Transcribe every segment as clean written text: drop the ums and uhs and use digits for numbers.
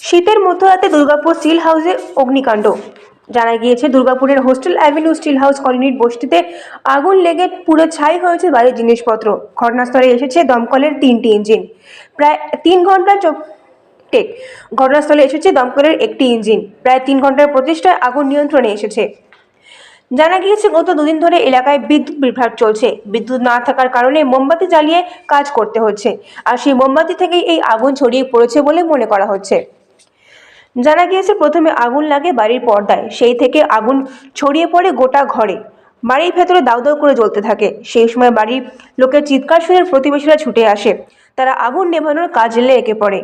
শীতের মধ্যরাতে দুর্গাপুর স্টিল হাউসে অগ্নিকাণ্ড। জানা গিয়েছে, দুর্গাপুরের হোস্টেল অ্যাভিনিউ স্টিল হাউস কলোনির বস্তিতে আগুন লেগে পুরো ছাই হয়েছে বাড়ির জিনিসপত্র। ঘটনাস্থলে এসেছে দমকলের 3টি ইঞ্জিন। প্রায় 3 ঘন্টা ঘটনাস্থলে এসেছে দমকলের একটি ইঞ্জিন। প্রায় 3 ঘন্টার প্রচেষ্টায় আগুন নিয়ন্ত্রণে এসেছে। জানা গিয়েছে, গত দুদিন ধরে এলাকায় বিদ্যুৎ বিভ্রাট চলছে। বিদ্যুৎ না থাকার কারণে মোমবাতি জ্বালিয়ে কাজ করতে হচ্ছে, আর সেই মোমবাতি থেকেই এই আগুন ছড়িয়ে পড়েছে বলে মনে করা হচ্ছে। জানা গিয়েছে, প্রথমে আগুন লাগে বাড়ির পর্দায়, সেই থেকে আগুন ছড়িয়ে পড়ে গোটা ঘরে। বাড়ির ভেতরে দাউ দাউ করে জ্বলতে থাকে। সেই সময় বাড়ির লোকের চিৎকার শুনে প্রতিবেশীরা ছুটে আসে। তারা আগুন নেভানোর কাজে লেগে পড়ে।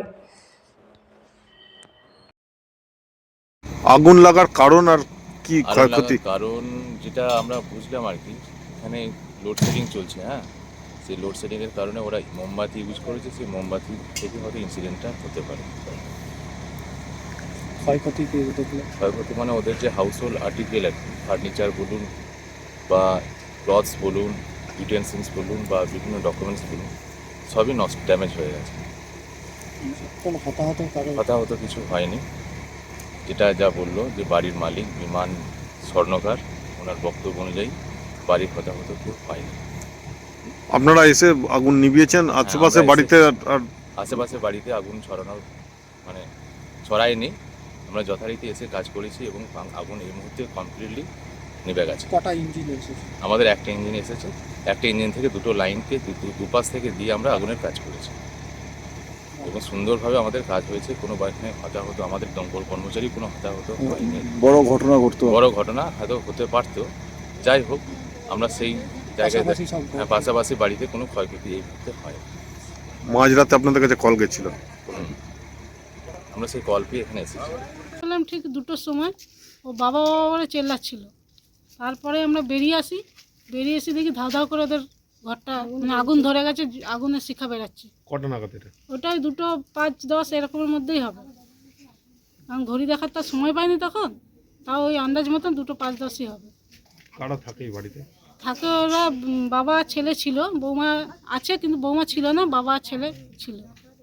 আগুন লাগার কারণ আর কি ক্ষয়ক্ষতি? কারণ যেটা আমরা বুঝলাম আর কি, এখানে লোডশেডিং চলছে। হ্যাঁ, সেই লোডশেডিংয়ের কারণে ওরা মোমবাতি ইউজ করেছে, সেই মোমবাতি থেকে হয়তো ইনসিডেন্টটা হতে পারে। ক্ষয়ক্ষতি মানে ওদের যে হাউস হোল্ড আর্টিকেল আর কি, ফার্নিচার বলুন বা ক্লথস বলুন, ইউটেন্সিলস বলুন বা বিভিন্ন ডকুমেন্টস বলুন, সবই নষ্ট, ড্যামেজ হয়ে গেছে। হতাহত কিছু হয়নি। যেটা যা বললো যে বাড়ির মালিক বিমান স্বর্ণকার, ওনার বক্তব্য অনুযায়ী বাড়ির হতাহত কেউ হয়নি। আপনারা এসে আগুন নিভিয়েছেন? আশেপাশে বাড়িতে আশেপাশে বাড়িতে আগুন ছড়ানোর মানে ছড়ায়নি। আমরা যথারীতি এসে কাজ করেছি এবং আগুন এই মুহূর্তে কমপ্লিটলি নিভে গেছে। কটা ইঞ্জিন এসেছে? আমাদের একটা ইঞ্জিন এসেছে। একটা ইঞ্জিন থেকে দুটো লাইনকে দুপাশ থেকে দিয়ে আমরা আগুনের কাজ করেছি এবং সুন্দরভাবে আমাদের কাজ হয়েছে। কোনো বাড়িতে হতাহত, আমাদের দমকল কর্মচারী কোনো হতাহত হয়নি। বড় ঘটনা ঘটতো? বড় ঘটনা হয়তো হতে পারতো। যাই হোক, আমরা সেই জায়গায় পাশাপাশি বাড়িতে কোনো ক্ষয়ক্ষতি এই মুহূর্তে হয়। মাঝরাতে আপনাদের কাছে কল গেছিল? আমরা সেই কল পেয়ে এখানে এসেছি। বললাম ঠিক 2টোর সময় ও বাবা বাবা বলে চেল্লাচ্ছিল। তারপরে আমরা বেরিয়ে এসে দেখি ধাও ধাও করে ওদের ঘরটা মানে আগুন ধরে গেছে, আগুনের শিখা বেরাচ্ছে। কটা নাগাদ এটা? ওটাই 2টো 5-10 এরকমের মধ্যেই হবে, কারণ ঘড়ি দেখার তার সময় পাইনি তখন। তাও ওই আন্দাজ মতন 2টো 5-10ই হবে। কারা থাকে এই বাড়িতে? থাকে ওরা বাবা ছেলে ছিল, বৌমা আছে কিন্তু বৌমা ছিল না, বাবা ছেলে ছিল।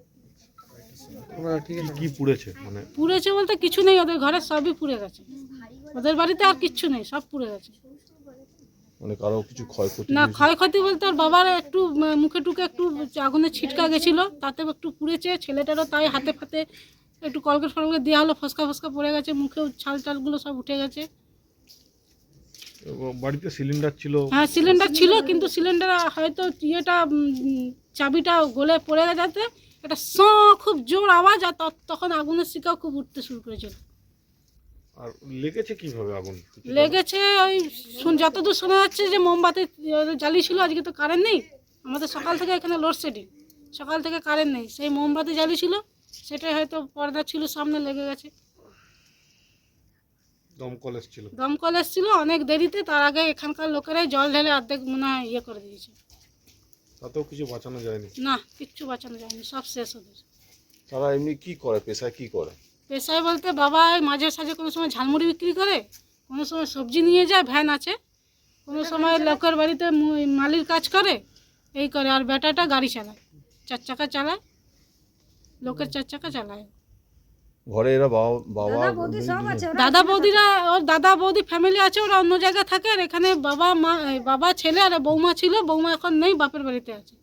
কি পুড়েছে? মানে পুড়েছে বলতে কিছু নেই, ওদের ঘরে সবই পুড়ে গেছে। ওদের বাড়িতে আর কিচ্ছু নেই, সব পুড়ে গেছে। মানে কারো কিছু ক্ষয়ক্ষতি? না, ক্ষয়ক্ষতি বলতে ওর বাবার একটু মুখে টুকে একটু আগুনের ছিটকা গেছিল, তাতে একটু পুড়েছে। ছেলেটারও তাই হাতে ফাতে একটু কলগেট ফলগেট দেওয়া হলো, ফসকা ফসকা পড়ে গেছে, মুখেও ছাল টালগুলো সব উঠে গেছে। বাড়িতে সিলিন্ডার ছিল? হ্যাঁ, সিলিন্ডার ছিল, কিন্তু সিলিন্ডার হয়তো ইয়েটা চাবিটা গলে পড়ে গেছে। একটা খুব জোর আওয়াজ, আর তখন আগুনের শিকাও খুব উঠতে শুরু করেছিল। আর লেগেছে কিভাবে আগুন? লেগেছে ওই যতদূর শোনা যাচ্ছে যে মোমবাতি জ্বালিয়েছিল। আজকে তো কারেন্ট নেই, আমাদের সকাল থেকে এখানে লোডশেডিং, সকাল থেকে কারেন্ট নেই। সেই মোমবাতি জ্বালিয়েছিল, সেটাই হয়তো পর্দা ছিল সামনে লেগে গেছে। দমকল এসেছিল অনেক দেরিতে, তার আগে এখানকার লোকেরাই জল ঢেলে অর্ধেক মনে হয় ইয়ে করে দিয়েছে। তাতেও কিছু বাঁচানো যায়নি? না, কিচ্ছু বাঁচানো যায়নি, সব শেষ ওদের। তারা এমনি কি করে, পেশায় কি করে? পেশায় বলতে বাবা মাঝে সাঝে কোনো সময় ঝালমুড়ি বিক্রি করে, কোনো সময় সবজি নিয়ে যায়, ভ্যান আছে, কোনো সময় লোকের বাড়িতে মালির কাজ করে, এই করে। আর বেটাটা গাড়ি চালায়, 4 চাকা চালায়, লোকের 4 চাকা চালায়। ঘরে এরা দাদা বৌদিরা, ওর দাদা বৌদি ফ্যামিলি আছে, ওরা অন্য জায়গায় থাকে। আর এখানে বাবা মা, বাবা ছেলে আর বৌমা ছিল। বৌমা এখন নেই, বাপের বাড়িতে আছে।